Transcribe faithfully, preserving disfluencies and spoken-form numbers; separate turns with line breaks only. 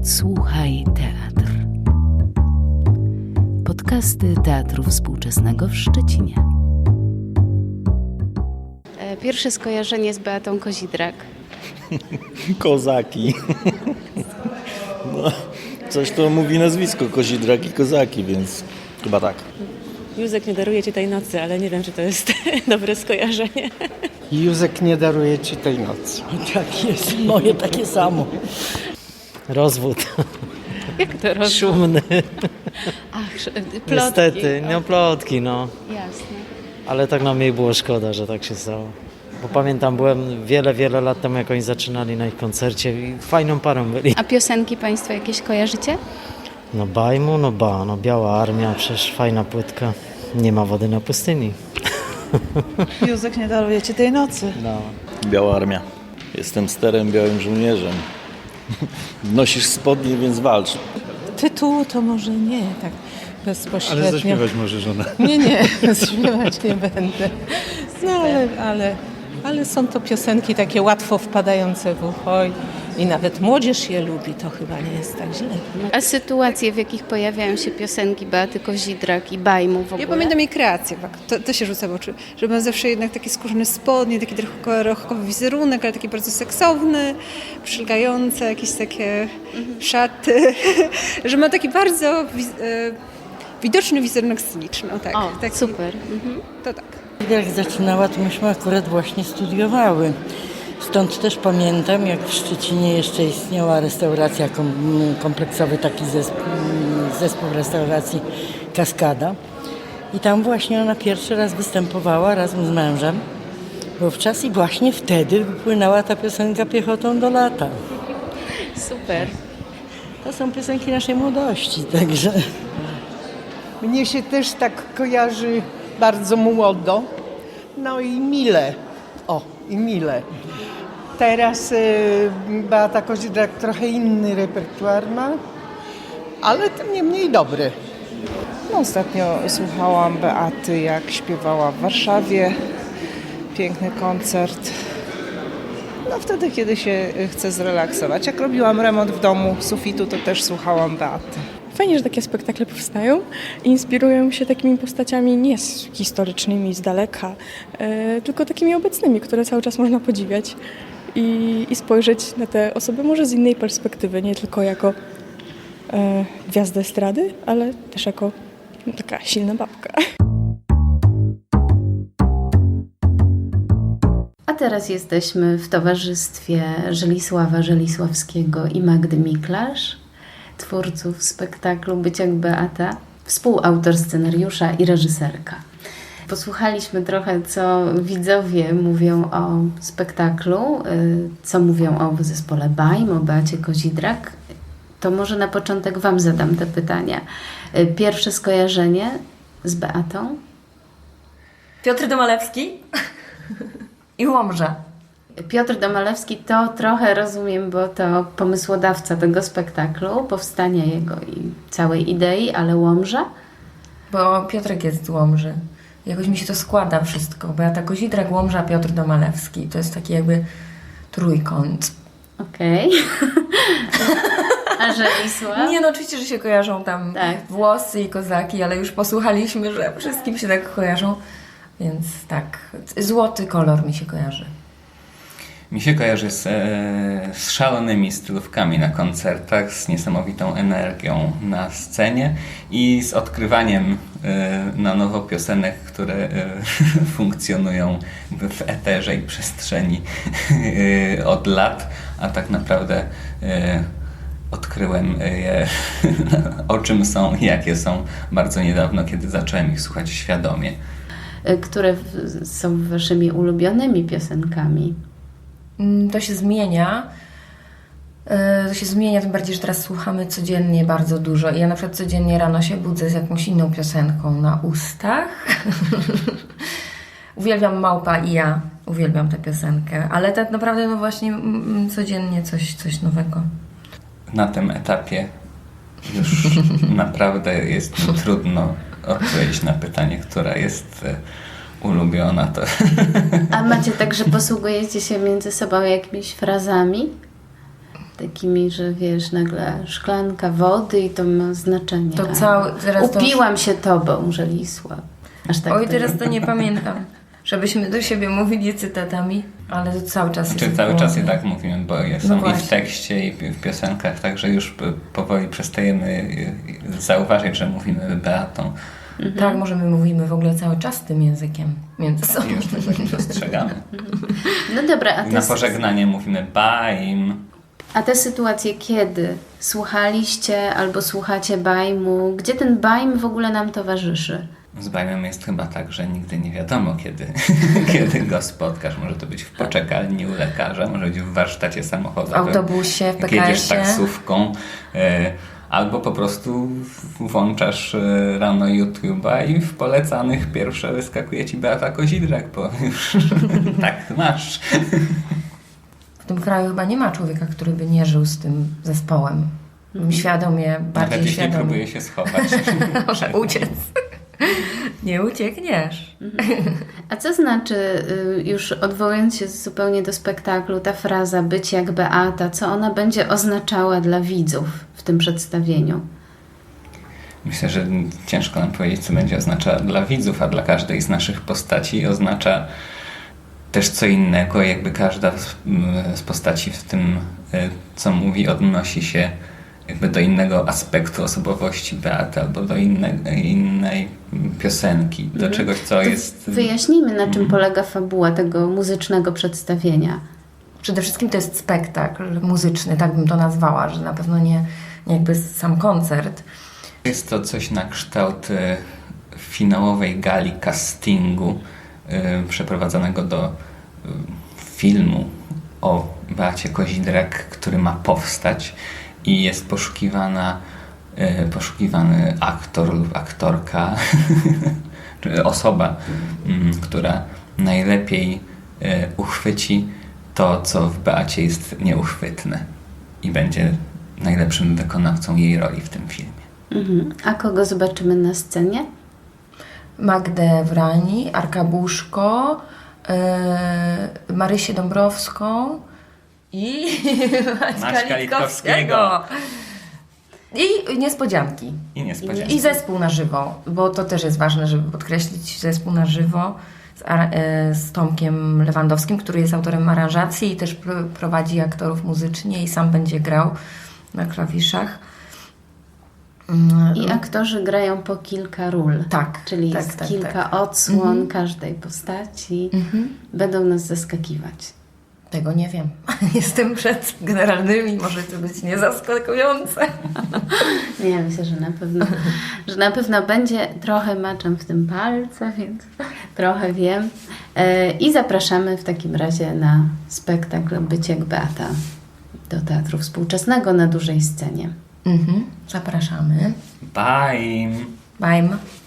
Słuchaj Teatr. Podcasty Teatru Współczesnego w Szczecinie.
Pierwsze skojarzenie z Beatą Kozidrak.
Kozaki. No, coś to mówi nazwisko Kozidrak i Kozaki, więc chyba tak.
Józek nie daruje ci tej nocy, ale nie wiem, czy to jest dobre skojarzenie.
Józek nie daruje ci tej nocy.
Tak jest, moje takie samo. Rozwód.
Jak to robisz?
Szumny.
Ach, plotki.
Niestety, no plotki, no.
Jasne.
Ale tak nam jej było szkoda, że tak się stało. Bo pamiętam, byłem wiele, wiele lat temu, jak oni zaczynali na ich koncercie i fajną parą byli.
A piosenki Państwo jakieś kojarzycie?
No bajmu, no ba, no Biała Armia, przecież fajna płytka. Nie ma wody na pustyni.
Józek nie daruje ci tej nocy.
No.
Biała Armia. Jestem sterem, białym żołnierzem. Nosisz spodnie, więc walcz.
Tytułu to może nie, tak bezpośrednio.
Ale zaśpiewać może żona.
Nie, nie, śpiewać nie będę. No ale, ale, ale są to piosenki takie łatwo wpadające w ucho i, i nawet młodzież je lubi, to chyba nie jest tak źle.
A sytuacje, w jakich pojawiają się piosenki Beaty Kozidrak i Bajmu w ogóle?
Ja pamiętam jej kreację, to, to się rzuca w oczy, że ma zawsze jednak takie skórzane spodnie, taki trochę rochowy wizerunek, ale taki bardzo seksowny, przylgające, jakieś takie mhm. szaty, że ma taki bardzo wiz- e, widoczny wizerunek sceniczny. O, tak,
O,
taki,
super. Mhm.
To tak.
Jak zaczynała, to myśmy akurat właśnie studiowały. Stąd też pamiętam, jak w Szczecinie jeszcze istniała restauracja, kompleksowy taki zespół, zespół restauracji Kaskada. I tam właśnie ona pierwszy raz występowała razem z mężem. Wówczas i właśnie wtedy wypłynęła ta piosenka Piechotą do lata.
Super.
To są piosenki naszej młodości, także...
Mnie się też tak kojarzy bardzo młodo. No i mile. O, i mile. Teraz y, Beata Kozidrak trochę inny repertuar ma, ale tym niemniej dobry.
No, ostatnio słuchałam Beaty, jak śpiewała w Warszawie. Piękny koncert. No wtedy, kiedy się chcę zrelaksować. Jak robiłam remont w domu sufitu, to też słuchałam Beaty.
Fajnie, że takie spektakle powstają i inspirują się takimi postaciami nie historycznymi z daleka, e, tylko takimi obecnymi, które cały czas można podziwiać i, i spojrzeć na te osoby może z innej perspektywy, nie tylko jako e, gwiazdę estrady, ale też jako no, taka silna babka.
A teraz jesteśmy w towarzystwie Żelisława Żelisławskiego i Magdy Miklasz, twórców spektaklu Być jak Beata, współautor scenariusza i reżyserka. Posłuchaliśmy trochę, co widzowie mówią o spektaklu, co mówią o zespole Bajm, o Beacie Kozidrak. To może na początek Wam zadam te pytania. Pierwsze skojarzenie z Beatą?
Piotr Domalewski i Łomża.
Piotr Domalewski to trochę rozumiem, bo to pomysłodawca tego spektaklu, powstania jego i całej idei, ale Łomża?
Bo Piotrek jest z Łomży. Jakoś mi się to składa wszystko. Beata Kozidrak, Łomża, Piotr Domalewski. To jest taki jakby trójkąt.
Okej. Okay. A Żelisław?
Nie, no oczywiście, że się kojarzą tam tak. Włosy i kozaki, ale już posłuchaliśmy, że wszystkim się tak kojarzą. Więc tak, złoty kolor mi się kojarzy.
Mi się kojarzy z, z szalonymi stylówkami na koncertach, z niesamowitą energią na scenie i z odkrywaniem na nowo piosenek, które funkcjonują w eterze i przestrzeni od lat, a tak naprawdę odkryłem je, o czym są i jakie są bardzo niedawno, kiedy zacząłem ich słuchać świadomie.
Które są waszymi ulubionymi piosenkami?
To się zmienia. To się zmienia, tym bardziej, że teraz słuchamy codziennie bardzo dużo. I ja na przykład codziennie rano się budzę z jakąś inną piosenką na ustach. Uwielbiam Małpa i ja. Uwielbiam tę piosenkę. Ale tak naprawdę no właśnie m, codziennie coś, coś nowego.
Na tym etapie już naprawdę jest mi trudno odpowiedzieć na pytanie, która jest ulubiona. To.
A macie tak, że posługujecie się między sobą jakimiś frazami? takimi, że wiesz, nagle szklanka wody i to ma znaczenie.
To cały- teraz to-
Upiłam się tobą, Żelisław. Aż tak
Oj,
to
teraz
nie-
to nie pamiętam, żebyśmy do siebie mówili cytatami, ale to cały czas
Znaczy
jest
cały
w
czas
głowie.
je tak mówimy, bo je
No
są i
właśnie.
w tekście, i w piosenkach, także już p- powoli przestajemy y, zauważyć, że mówimy Beatą.
Tak, może my mówimy w ogóle cały czas tym językiem między sobą.
I już tego nie dostrzegamy.
No dobra, a
I na
te,
pożegnanie mówimy baim.
a te sytuacje, kiedy słuchaliście albo słuchacie bajmu, gdzie ten bajm w ogóle nam towarzyszy?
Z bajmem jest chyba tak, że nigdy nie wiadomo, kiedy, kiedy go spotkasz. Może to być w poczekalni u lekarza, może być w warsztacie samochodowym.
W autobusie, w
jak jedziesz
P K S-ie.
taksówką. E, albo po prostu włączasz e, rano YouTube'a i w polecanych pierwsze wyskakuje ci Beata Kozidrak, bo już tak masz.
W tym kraju chyba nie ma człowieka, który by nie żył z tym zespołem. Świadomie, bardziej
Nawet jeśli
świadomie.
próbuje się schować.
Może uciec. Nie uciekniesz.
A co znaczy, y, już odwołując się zupełnie do spektaklu, ta fraza być jak Beata, co ona będzie oznaczała dla widzów w tym przedstawieniu?
Myślę, że ciężko nam powiedzieć, co będzie oznaczała dla widzów, a dla każdej z naszych postaci oznacza też co innego. Jakby każda z, z postaci w tym, co mówi, odnosi się jakby do innego aspektu osobowości Beaty albo do innej, innej piosenki, do
Mhm.
czegoś, co
To
jest...
Wyjaśnijmy, na czym polega fabuła tego muzycznego przedstawienia.
Przede wszystkim to jest spektakl muzyczny, tak bym to nazwała, że na pewno nie, nie jakby sam koncert.
Jest to coś na kształt e, finałowej gali castingu e, przeprowadzonego do e, filmu o Beacie Kozidrak, który ma powstać i jest poszukiwana, e, poszukiwany aktor lub aktorka, czy osoba, m, która najlepiej e, uchwyci to, co w Beacie jest nieuchwytne i będzie najlepszym wykonawcą jej roli w tym filmie.
Mhm. A kogo zobaczymy na scenie?
Magdę Wrani, Arka Buszko, yy, Marysię Dąbrowską i Maćka,
Maćka
Litkowskiego. I niespodzianki.
I niespodzianki.
I zespół na żywo, bo to też jest ważne, żeby podkreślić zespół na żywo z, ar- e, z Tomkiem Lewandowskim, który jest autorem aranżacji i też pr- prowadzi aktorów muzycznie i sam będzie grał na klawiszach.
I aktorzy grają po kilka ról.
Tak.
Czyli
tak,
jest
tak,
kilka
tak.
odsłon
Mhm.
każdej postaci.
Mhm.
Będą nas zaskakiwać.
Tego nie wiem. Jestem przed generalnymi, może to być niezaskakujące.
Nie, myślę, że na pewno, że na pewno będzie. Trochę maczam w tym palce, więc trochę wiem. E, I zapraszamy w takim razie na spektakl Być jak Beata do Teatru Współczesnego na dużej scenie.
Mhm. Zapraszamy.
Bye!
Bye.